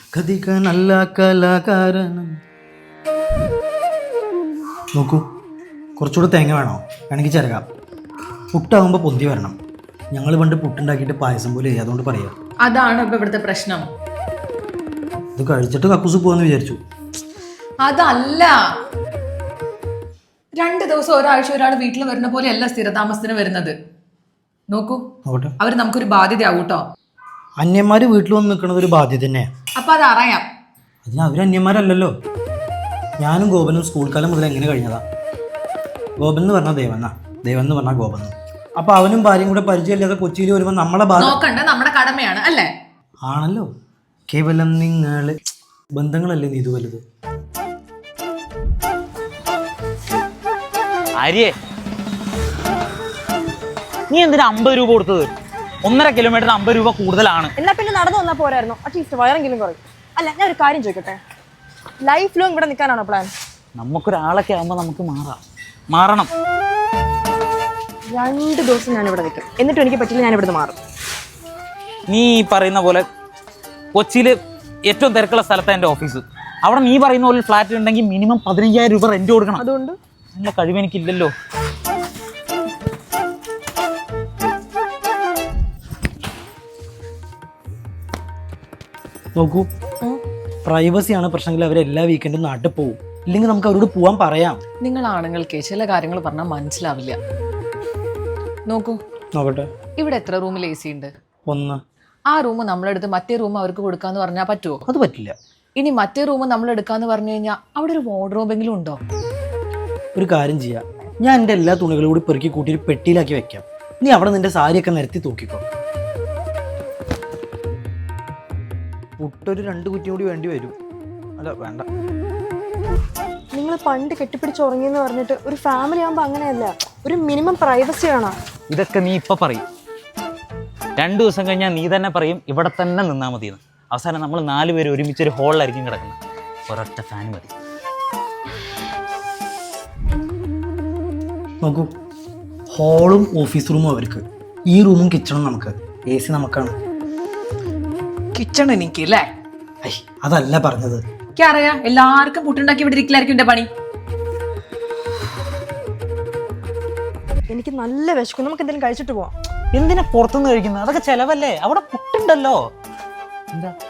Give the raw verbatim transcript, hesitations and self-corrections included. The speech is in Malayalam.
കഥിക നല്ല കലാകാരനും. നോക്കൂ, കുറച്ചുകൂടെ തേങ്ങ വേണോ? വേണമെങ്കിൽ ചിരകാം. പുട്ടാകുമ്പോൾ പൊന്തി വരണം. ഞങ്ങൾ പണ്ട് പുട്ടുണ്ടാക്കിയിട്ട് പായസം പോലെ ചെയ്യും, അതുകൊണ്ട് പറയാം. അതാണ് ഇപ്പൊ ഇവിടുത്തെ പ്രശ്നം. ഇത് കഴിച്ചിട്ട് കക്കൂസ് പോവാന്ന് വിചാരിച്ചു. അതല്ല, രണ്ട് ദിവസം ഒരാഴ്ച ഒരാൾ വീട്ടിൽ വരുന്ന പോലെയല്ല സ്ഥിരതാമസത്തിന് വരുന്നത്. നോക്കൂ, നോക്കട്ടെ, അവർ നമുക്കൊരു ബാധ്യതയാവും കേട്ടോ. അന്യന്മാർ വീട്ടിൽ വന്ന് നിൽക്കുന്നത് ഒരു ബാധ്യത തന്നെയാണ്. അപ്പൊ അത് അറിയാം. അതിന് അവർ അന്യന്മാരല്ലല്ലോ. ഞാനും ഗോപനും സ്കൂൾ കാലം മുതൽ എങ്ങനെ കഴിഞ്ഞതാ. ഗോപൻ എന്ന് പറഞ്ഞാൽ ദേവന്നാ, ദേവൻ എന്ന് പറഞ്ഞാൽ ഗോപൻ. അപ്പൊ അവനും ഭാര്യയും കൂടെ പരിചയമില്ലാതെ കൊച്ചിയിൽ വരുമ്പോൾ നമ്മളെ നോക്കണ്ട, നമ്മുടെ കടമയാണ് അല്ലേ? ആണല്ലോ. കേവലം നിങ്ങള് ബന്ധങ്ങളല്ലേ നീ ഇത് വലുത്. ആര്യേ, നീ എന്തിനാ അമ്പത് രൂപ കൊടുത്തത്? ഒന്നര കിലോമീറ്ററിന് അമ്പത് രൂപ കൂടുതലാണ്. എന്നാ പിന്നെ നടന്നു വന്നാൽ പോരായിരുന്നു, അറ്റ്ലീസ്റ്റ് വയറെങ്കിലും കുറയും. അല്ല, ഞാൻ ഒരു കാര്യം ചോദിക്കട്ടെ, ലൈഫ് ലോങ് ഇവിടെ നിൽക്കാനാണോ പ്ലാൻ? നമുക്കൊരാളൊക്കെ ആകുമ്പോൾ നമുക്ക് മാറാം, മാറണം. രണ്ട് ദിവസം ഞാൻ ഇവിടെ നിൽക്കും, എന്നിട്ടും എനിക്ക് പറ്റില്ല, ഞാൻ ഇവിടുന്ന് മാറും. നീ ഈ പറയുന്ന പോലെ കൊച്ചിയിൽ ഏറ്റവും തിരക്കുള്ള സ്ഥലത്താണ് എൻ്റെ ഓഫീസ്. അവിടെ നീ പറയുന്ന പോലെ ഫ്ലാറ്റ് ഉണ്ടെങ്കിൽ മിനിമം പതിനയ്യായിരം രൂപ റെന്റ് കൊടുക്കണം. അതുകൊണ്ട് അതിനുള്ള കഴിവ് എനിക്കില്ലല്ലോ. നോക്കൂ, പ്രൈവസിയാണ് പ്രശ്നമെങ്കിൽ അവർ എല്ലാ വീക്കെൻഡും നാട്ടിൽ പോകും. ഇല്ലെങ്കിൽ നമുക്ക് അവരോട് പോവാൻ പറയാം. നിങ്ങൾ ആണുങ്ങൾക്ക് ചില കാര്യങ്ങൾ പറഞ്ഞാൽ മനസ്സിലാവില്ല. നോക്കൂ, നോക്കട്ടെ, ഇവിടെ എത്ര റൂമിൽ എ സി ഉണ്ട്? ഒന്ന്. ആ റൂം നമ്മളെടുത്ത് മറ്റേ റൂം അവർക്ക് കൊടുക്കാന്ന് പറഞ്ഞാൽ പറ്റുമോ? അത് പറ്റില്ല. ഇനി മറ്റേ റൂം നമ്മൾ എടുക്കാന്ന് പറഞ്ഞു കഴിഞ്ഞാൽ അവിടെ ഒരു വാർഡ്രോബെങ്കിലും ഉണ്ടോ? ഒരു കാര്യം ചെയ്യാം, ഞാൻ എൻ്റെ എല്ലാ തുണികളും കൂടി പെറുക്കി കൂട്ടി ഒരു പെട്ടിയിലാക്കി വെക്കാം. നീ അവിടെ നിന്റെ സാരിയൊക്കെ നിരത്തി തൂക്കിക്കോ. പുട്ടൊരു രണ്ട് കുറ്റിയും കൂടി വേണ്ടി വരും. അല്ല, വേണ്ട. നിങ്ങൾ പണ്ട് കെട്ടിപ്പിടിച്ച് ഉറങ്ങിയെന്ന് പറഞ്ഞിട്ട് ഒരു ഫാമിലി ആകുമ്പോൾ അങ്ങനെയല്ല, ഒരു മിനിമം പ്രൈവസി വേണം. ഇതൊക്കെ നീ ഇപ്പൊ പറയും, രണ്ടു ദിവസം കഴിഞ്ഞാൽ നീ തന്നെ പറയും ഇവിടെ തന്നെ നിന്നാൽ മതിയെന്ന്. അവസാനം നമ്മൾ നാല് പേര് ഒരുമിച്ച് ഒരു ഹോളിലായിരിക്കും കിടക്കുന്നത്. ഒരൊറ്റ ഫാൻ മതി. നോക്കൂ, ഹോളും ഓഫീസ് റൂമും അവർക്ക്, ഈ റൂമും കിച്ചണും നമുക്ക്, എ സി നമുക്കാണ്. കിച്ചൺ എനിക്ക് അല്ലേ? ഐ, അതല്ല പറഞ്ഞത്. എനിക്കറിയാം, എല്ലാവർക്കും പുട്ടുണ്ടാക്കി ഇവിടെ ഇരിക്കലായിരിക്കും എന്റെ പണി. എനിക്ക് നല്ല വിശക്കും, നമുക്ക് എന്തെങ്കിലും കഴിച്ചിട്ട് പോവാം. എന്തിനാ പുറത്തുനിന്ന് കഴിക്കുന്നത്? അതൊക്കെ ചെലവല്ലേ, അവിടെ പുട്ടുണ്ടല്ലോ. എന്താ